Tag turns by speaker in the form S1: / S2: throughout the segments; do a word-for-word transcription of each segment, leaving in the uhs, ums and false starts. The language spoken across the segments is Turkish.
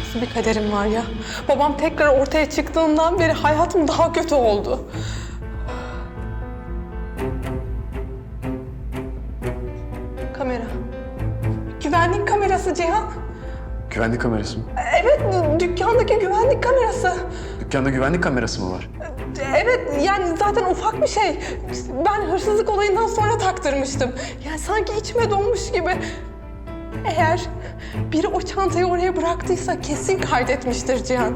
S1: Nasıl bir kaderim var ya? Babam tekrar ortaya çıktığından beri hayatım daha kötü oldu. Kamera. Güvenlik kamerası Cihan.
S2: Güvenlik kamerası mı?
S1: Evet, dükkandaki güvenlik kamerası.
S2: Dükkanda güvenlik kamerası mı var?
S1: Evet, yani zaten ufak bir şey. Ben hırsızlık olayından sonra taktırmıştım. Yani sanki içime donmuş gibi. Eğer biri o çantayı oraya bıraktıysa kesin kaydetmiştir Cihan.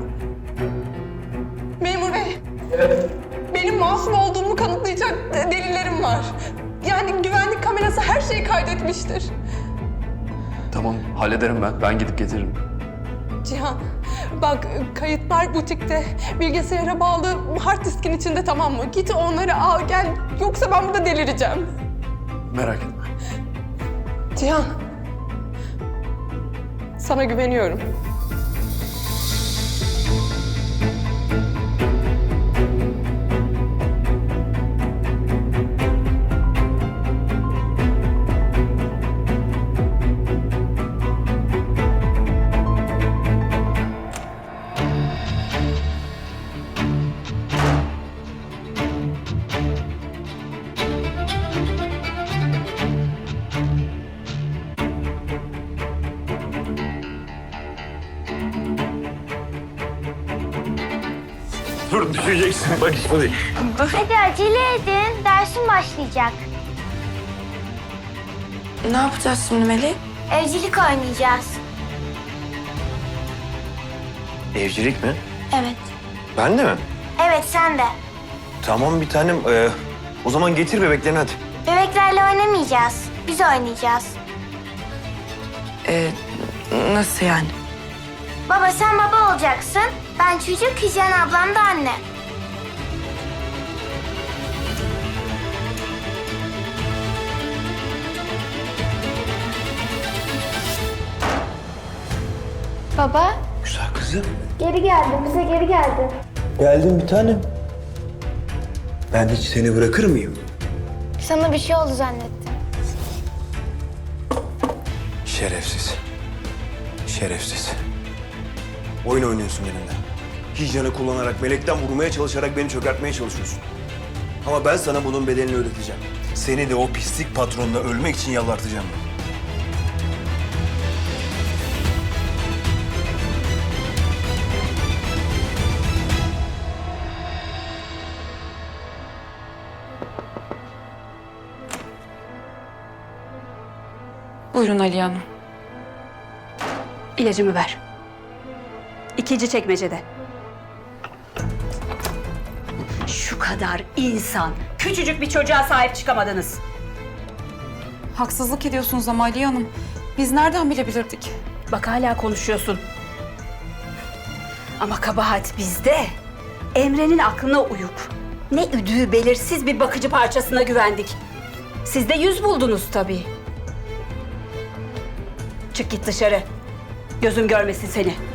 S1: Memur bey. Evet. Benim masum olduğumu kanıtlayacak delillerim var. Yani güvenlik kamerası her şeyi kaydetmiştir.
S2: Tamam, hallederim ben. Ben gidip getiririm.
S1: Cihan, bak kayıtlar butikte, bilgisayara bağlı hard diskin içinde, tamam mı? Git onları al gel, yoksa ben burada delireceğim.
S2: Merak etme.
S1: Cihan, sana güveniyorum.
S3: Dur düşeceksin bak şimdi.
S4: Hadi acele edin. Dersin başlayacak.
S5: Ne yapacağız şimdi Melek?
S4: Evcilik oynayacağız.
S3: Evcilik mi?
S4: Evet.
S3: Ben de mi?
S4: Evet sen de.
S3: Tamam bir tanem. Ee, o zaman getir bebeklerini hadi.
S4: Bebeklerle oynamayacağız. Biz oynayacağız.
S5: Ee, nasıl yani?
S4: Baba sen baba olacaksın. Ben çocuk, Hicran ablam da anne. Baba,
S3: Güzel kızım.
S4: geri geldi. Bize geri geldi.
S3: Geldim bir tanem. Ben hiç seni bırakır mıyım?
S4: Sana bir şey oldu zannettim.
S3: Şerefsiz. Şerefsiz. Oyun oynuyorsun benimle. Hicranı kullanarak, melekten vurmaya çalışarak beni çökertmeye çalışıyorsun. Ama ben sana bunun bedelini ödeteceğim. Seni de o pislik patronla ölmek için yalvartacağım ben.
S5: Buyurun Aliye Hanım.
S6: İlacımı ver. İkinci çekmecede. Şu kadar insan, küçücük bir çocuğa sahip çıkamadınız.
S5: Haksızlık ediyorsunuz ama Aliye Hanım. Biz nereden bilebilirdik?
S6: Bak hala konuşuyorsun. Ama kabahat bizde. Emre'nin aklına uyup ne üdüğü belirsiz bir bakıcı parçasına güvendik. Siz de yüz buldunuz tabii. Çık git dışarı. Gözüm görmesin seni.